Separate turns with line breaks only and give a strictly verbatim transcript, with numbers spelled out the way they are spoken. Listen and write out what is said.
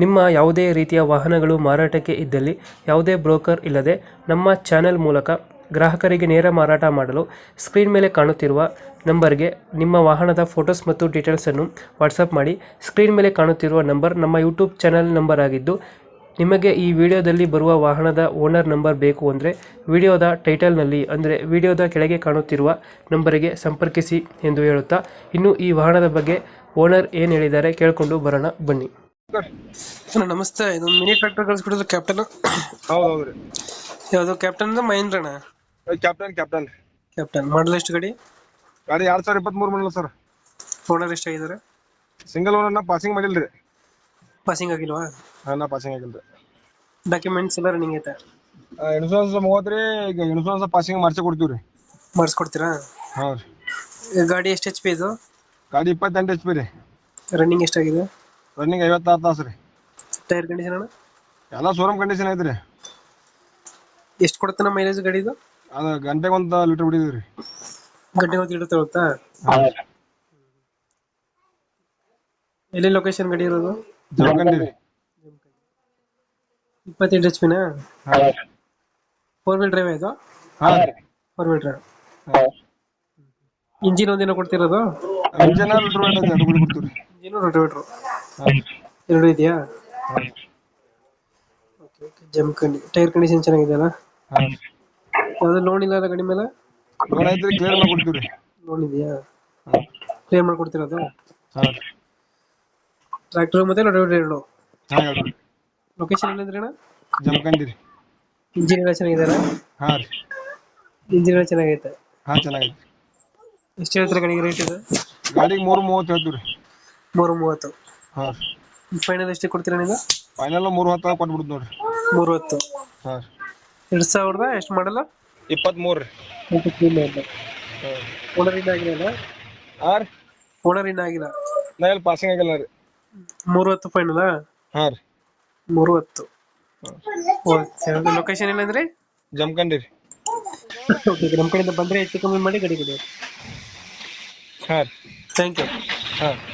ನಿಮ್ಮ ಯಾವುದೇ ರೀತಿಯ ವಾಹನಗಳು ಮಾರಾಟಕ್ಕೆ ಇದ್ದಲ್ಲಿ ಯಾವುದೇ ಬ್ರೋಕರ್ ಇಲ್ಲದೆ ನಮ್ಮ ಚಾನೆಲ್ ಮೂಲಕ ಗ್ರಾಹಕರಿಗೆ ನೇರ ಮಾರಾಟ ಮಾಡಲು ಸ್ಕ್ರೀನ್ ಮೇಲೆ ಕಾಣುತ್ತಿರುವ ನಂಬರ್ಗೆ ನಿಮ್ಮ ವಾಹನದ ಫೋಟೋಸ್ ಮತ್ತು ಡೀಟೇಲ್ಸನ್ನು ವಾಟ್ಸಪ್ ಮಾಡಿ. ಸ್ಕ್ರೀನ್ ಮೇಲೆ ಕಾಣುತ್ತಿರುವ ನಂಬರ್ ನಮ್ಮ ಯೂಟ್ಯೂಬ್ ಚಾನೆಲ್ ನಂಬರ್ ಆಗಿದ್ದು, ನಿಮಗೆ ಈ ವಿಡಿಯೋದಲ್ಲಿ ಬರುವ ವಾಹನದ ಓನರ್ ನಂಬರ್ ಬೇಕು ಅಂದರೆ ವಿಡಿಯೋದ ಟೈಟಲ್ನಲ್ಲಿ ಅಂದರೆ ವಿಡಿಯೋದ ಕೆಳಗೆ ಕಾಣುತ್ತಿರುವ ನಂಬರಿಗೆ ಸಂಪರ್ಕಿಸಿ ಎಂದು ಹೇಳುತ್ತಾ, ಇನ್ನು ಈ ವಾಹನದ ಬಗ್ಗೆ ಓನರ್ ಏನು ಹೇಳಿದ್ದಾರೆ ಕೇಳಿಕೊಂಡು ಬರೋಣ ಬನ್ನಿ. ಸರ್ ನಮಸ್ತೆ, ಇದೊಂದು ಮಿನಿ ಟ್ರ್ಯಾಕ್ಟರ್ ಕಳಿಸ್ಬಿಟ್ಟಿದ್ರು ಕ್ಯಾಪ್ಟನ್.
ಹೌದೌದ್ರಿ.
ಯಾವುದು ಕ್ಯಾಪ್ಟನ್ ಮಹೇಂದ್ರಣ?
ಕ್ಯಾಪ್ಟನ್ ಕ್ಯಾಪ್ಟನ್
ಕ್ಯಾಪ್ಟನ್ ಮಾಡಲ್ ಎಷ್ಟು ಗಾಡಿ?
ಗಾಡಿ ಎರಡ್ ಸಾವಿರ ಇಪ್ಪತ್ತ್ ಮೂರು ಮಾಡಲ್ಲ ಸರ್.
ಓನರ್ ಎಷ್ಟಾಗಿದ್ದಾರೆ?
ಸಿಂಗಲ್ ಓನರ್ ನಾ ಪಾಸಿಂಗ್ ಮಾಡಿಲ್ರಿ.
ಪಾಸಿಂಗ್ ಆಗಿಲ್ವಾ?
ಹಾ ನಾ ಪಾಸಿಂಗ್ ಆಗಿಲ್ರಿ.
ಡಾಕ್ಯುಮೆಂಟ್ಸ್ ಎಲ್ಲ ರನ್ನಿಂಗ್ ಐತೆ?
ಇನ್ಶೂರೆನ್ಸ್ ಮೂವತ್ತ್ರಿ. ಈಗ ಇನ್ಶೂರೆನ್ಸ್ ಪಾಸಿಂಗ್ ಮಾಡ್ಸಿ ಕೊಡ್ತೀವ್ರಿ.
ಮಾಡಿಸ್ಕೊಡ್ತೀರಾ?
ಹಾ ರೀ.
ಗಾಡಿ ಎಷ್ಟು ಎಚ್ ಪಿ ಇದು?
ಗಾಡಿ ಇಪ್ಪತ್ತೆಂಟು ಎಚ್ ಪಿ ರೀ.
ರನ್ನಿಂಗ್ ಎಷ್ಟಾಗಿದೆ?
ರನ್ನಿಂಗ್ ಐವತ್ತಾರು ತಾಸು ರೀ.
ಟೈರ್ ಕಂಡೀಷನ್ ಅಣ್ಣ?
ಎಲ್ಲ ಶೋರೂಮ್ ಕಂಡೀಷನ್ ಐತ್ರಿ.
ಎಷ್ಟು ಕೊಡುತ್ತೆ ನಮ್ಮ ಮೈಲೇಜ್ ಗಾಡಿ ಇದು?
ಅದ ಗಂಟೆಗೆ ಒಂದು ಲೀಟರ್ ಬಿಡಿದ್ರಿ.
ಗಂಟೆಗೆ ಒಂದು ಲೀಟರ್ ತಗೊಳ್ತಾ? ಎಲ್ಲಿ ಲೊಕೇಶನ್ ಗಾಡಿ ಇರೋದು?
ಜಮಖಂಡಿ ರೀ.
ಇಪ್ಪತ್ತೆಂಟು ಎಚ್ ಪಿನಾ?
ಹಾ
ಫೋರ್ ವೀಲ್ ಡ್ರೈವ್ ಇದು?
ಹಾ
ಫೋರ್ ವೀಲ್ ಡ್ರೈವ್. ಇಂಜಿನ್ ಒಂದಿನ ಕೊಡ್ತಿರೋದು?
ಇಂಜನ್ ಲೀಟರ್ ಐತೆ ಎರಡು ಬಿಡಿ ಕೊಡ್ತೀವ್ರಿ.
ಇಂಜಿನ್ ರೋಟೋವೇಟರ್
ಹಾ
ಎರಡು ಇದೆಯಾ? Okay okay. Jamkhandi. Tyre condition ಚೆನ್ನಾಗಿದೆಯಲ್ಲ?
ಹಾ
ಯಾವ್ದು ಲೋನ್ ಇಲ್ಲ ಅಲ್ಲ ಗಾಡಿ ಮೇಲೆ?
ಲೋನ್ ಐತ್ರಿ, ಕ್ಲಿಯರ್ ಮಾಡಿ ಕೊಡ್ತೀವ್ರಿ.
ಲೋನ್ ಇದೆಯಾ?
ಹಾ
ಕ್ಲಿಯರ್ ಮಾಡ್ಕೊಡ್ತಿರೋದು?
ಹಾ
ಟ್ರ್ಯಾಕ್ಟರ್ ಮತ್ತೆ ರೋಟೋವೇಟರ್ ಎರಡು?
ಹಾ ಎರಡು.
ಲೊಕೇಶನ್ ಎಲ್ಲಿಂದ್ರಿ ಅಣ್ಣ?
ಜಮಖಂಡಿ ರೀ.
ಇಂಜಿನ್ ಎಲ್ಲ ಚೆನ್ನಾಗಿದೆಯಲ್ಲ?
ಹಾ ರೀ.
ಇಂಜಿನ್ ಎಲ್ಲ ಚೆನ್ನಾಗೈತೆ?
ಹಾ ಚೆನ್ನಾಗೈತಿ.
ಎಷ್ಟು ಹೇಳ್ತಾರೆ ಗಾಡಿಗೆ ರೇಟ್ ಇದು?
ಗಾಡಿಗೆ ಮೂರು ಮೂವತ್ತು ಹೇಳ್ತೀವ್ರಿ.
ಮೂರು ಮೂವತ್ತು?
ಹಾ
ಫೈನಲ್ ಎಷ್ಟಕ್ಕೆ ಕೊಡ್ತೀರಾ ನೀವು?
ಫೈನಲ್ ಮೂರು ಹತ್ತು ಕೊಟ್ಬಿಡುದು ನೋಡ್ರಿ.
ಮೂರು ಹತ್ತು?
ಹಾ
ಎರಡು ಸಾವಿರದ ಎಷ್ಟು ಮಾಡಲ್ಲ?
ಇಪ್ಪತ್ಮೂರು ರೀ.
ಓನರ್ ಇನ್ನ ಆಗಿಲ್ಲ?
ಹಾ ರೀ.
ಓನರ್ ಇನ್ನ ಆಗಿಲ್ಲ?
ನಾ ಎಲ್ಲಿ ಪಾಸಿಂಗ್ ಆಗಿಲ್ಲ ರೀ.
ಮೂರು ಹತ್ತು ಫೈನಲ್?
ಹಾ ರೀ.
ಮೂರು ಹತ್ತು. ಓಕೆ. ಲೊಕೇಶನ್ ಏನಂದ್ರೆ?
ಜಮಖಂಡಿ ರೀ.
ಓಕೆ. ನಮ್ಮ ಕಡೆಯಿಂದ ಬಂದರೆ ಹೆಚ್ಚು ಕಮ್ಮಿ ಮಾಡಿ ಗಾಡಿ ಕೊಡಿ.
ಹಾ ರೀ.
Thank you.
ಹಾ